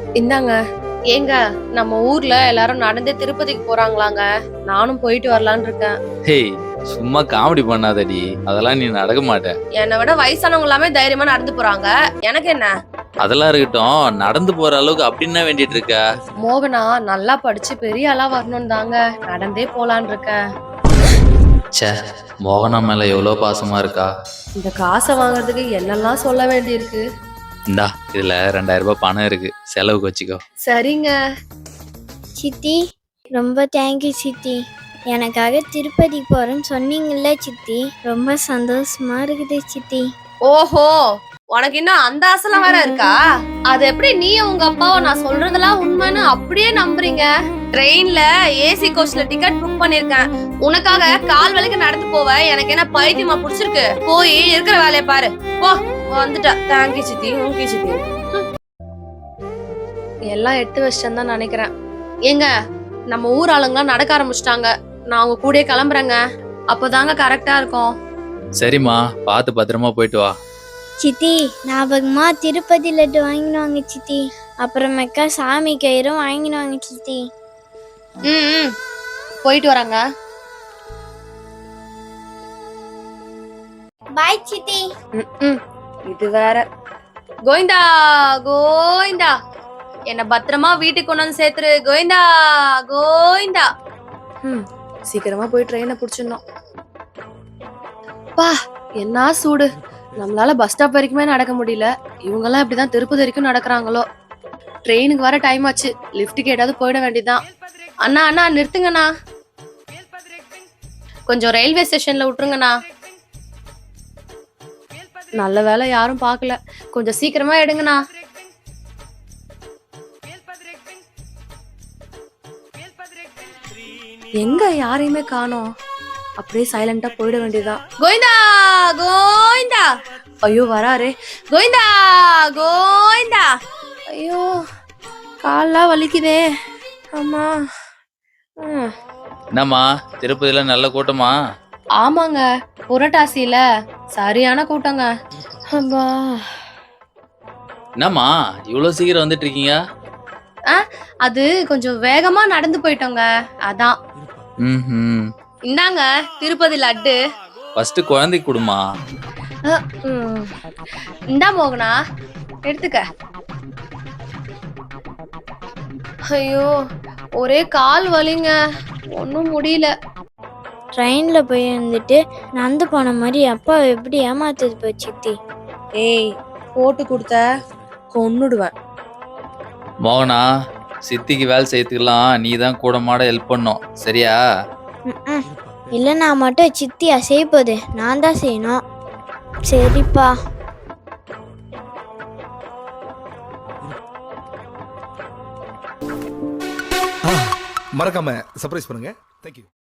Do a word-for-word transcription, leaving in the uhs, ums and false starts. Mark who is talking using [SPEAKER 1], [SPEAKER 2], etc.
[SPEAKER 1] இந்தாங்க. ஏங்க, நம்ம ஊர்ல எல்லாரும் நடந்தே திருப்பதிக்கு போறாங்களாங்க. நானும் போயிட்டு வரலான்னு இருக்கேன்.
[SPEAKER 2] ஹேய், சும்மா காமெடி பண்ணாதடி. அதெல்லாம் நீ நடக்க மாட்ட.
[SPEAKER 1] என்னை விட வயசானவங்க எல்லாமே தைரியமா நடந்து போறாங்க. எனக்கு என்ன?
[SPEAKER 2] அதெல்லாம் இருக்கட்டும். நடந்து போற அளவுக்கு அப்படி என்ன வேண்டிட்டு இருக்க?
[SPEAKER 1] மோகனா நல்லா படிச்சு பெரிய ஆளா வரணும் தாங்க நடந்தே போலான்னு இருக்கேன்.
[SPEAKER 2] ச்சே, மோகனா மேல எவ்வளவு பாசமா இருக்கா.
[SPEAKER 1] இந்த காசை வாங்குறதுக்கு என்னெல்லாம் சொல்ல வேண்டியிருக்கு.
[SPEAKER 2] இந்தா, இதுல ரெண்டாயிரம் ரூபாய் பணம் இருக்கு, செலவுக்கு வச்சுக்கோ.
[SPEAKER 1] சரிங்க.
[SPEAKER 3] சித்தி, ரொம்ப தேங்க்யூ சித்தி. எனக்காக திருப்பதி போறேன்னு சொன்னீங்கல்ல சித்தி, ரொம்ப சந்தோஷமா இருக்குது சித்தி.
[SPEAKER 1] ஓஹோ, உனக்கு இன்னும் அந்த ஆசைலாம் வேற இருக்கா? அது எப்படி நீ உங்க அப்பாவை நான் சொல்றதெல்லாம் உண்மைன்னு அப்படியே நம்புறீங்க? ட்ரெயின்ல ஏசி கோச்ல டிக்கெட் புக் பண்ணிருக்கேன். உனக்காக கால் வலிக்கு நடந்து போவ எனக்கு என்ன பைத்தியமா புடிச்சிருக்கு? போய் இருக்கிற வேலையை பாரு. போ, வந்துட்டா. தேங்க்யூ சித்தி, உங்க சித்தி. எல்லாம் எடுத்து வச்சிட்டேன்னு தான் நினைக்கிறேன். ஏங்க, நம்ம ஊர் ஆளுங்களாம் நடக்க ஆரம்பிச்சிட்டாங்க. நான் அவங்க கூடயே கிளம்புறேங்க. அப்பதாங்க கரெக்டா இருக்கும்.
[SPEAKER 2] சரிம்மா, பார்த்து பத்திரமா போயிட்டு வா.
[SPEAKER 3] சித்தி, ஞாபகமா திருப்பதி லட்டு வாங்கினுவாங்க சித்தி. அப்புறமேக்கா சாமி கயிறும் வாங்கினுவாங்க சித்தி.
[SPEAKER 1] ம் ம், போயிட்டு வராங்க.
[SPEAKER 3] பாய் சித்தி.
[SPEAKER 1] ம், இது வேற. கோவிந்தா கோவிந்தா, என்ன பத்திரமா வீட்டுக்கு கொண்டு வந்து சேர்த்துரு. கோவிந்தா கோவிந்தா. ம், சீக்கிரமா போய் ட்ரெயினை பிடிச்சிடணும். பா, என்ன சூடு. நம்மளால பஸ் ஸ்டாப் வரைக்குமே நடக்க முடியல. இவங்க எல்லாம் இப்படிதான் திருப்பதி வரைக்கும் நடக்கிறாங்களோ. ட்ரெயினுக்கு வர டைம் ஆச்சு. லிஃப்ட்டுக்கு ஏதாவது போயிட வேண்டியதுதான். அண்ணா அண்ணா நிறுத்துங்கண்ணா. கொஞ்சம் ரயில்வே ஸ்டேஷன்ல விட்டுருங்கண்ணா. நல்ல வேலை யாரும் பார்க்கல. கொஞ்சம் சீக்கிரமா எடுங்கண்ணா. எங்க யாரையுமே காணோம். அப்படியே சைலண்டா போயிட வேண்டியதுதான். கோவிந்தா கோவிந்தா. ஐயோ வராரே. கோவிந்தா கோவிந்தா. ஐயோ, கால்லாம் வலிக்குதே. ஆமா. ம்.
[SPEAKER 2] என்னம்மா, திருப்பதியில நல்ல கூட்டமா?
[SPEAKER 1] ஆமாங்க, புரட்டாசியில சரியான கூட்டங்க. அப்பா.
[SPEAKER 2] என்னம்மா, இவ்வளவு சீக்கிரம் வந்துட்டு இருக்கீங்க?
[SPEAKER 1] அது கொஞ்சம் வேகமா நடந்து போயிட்டோங்க, அதான்.
[SPEAKER 2] ம்,
[SPEAKER 1] இந்தாங்க திருப்பதி லட்டு.
[SPEAKER 2] ஃபர்ஸ்ட் குழந்தைக்கு கொடுமா.
[SPEAKER 1] அஹ், ம். இந்தா மோகனா, எடுத்துக்க. ஐயோ, ஒரே கால் வலிங்க, ஒன்னும் முடியல.
[SPEAKER 3] ட்ரெயின்ல போய் வந்துட்டு நடந்து போன மாதிரி அப்பா எப்படி ஏமாத்துது போ சித்தி.
[SPEAKER 1] ஏய், போட்டு கொடுத்த கொன்னுடுவேன்.
[SPEAKER 2] மோகனா, சித்திக்கு வேலை செய்யறதுக்கெல்லாம் நீ தான் கூட மாட ஹெல்ப் பண்ணும், சரியா?
[SPEAKER 3] ம், இல்லைன்னா மட்டும் சித்தியா செய்ய போகுது, நான் தான் செய்யணும். சரிப்பா.
[SPEAKER 4] மறக்காம சர்ப்ரைஸ் பண்ணுங்க. தேங்க்யூ.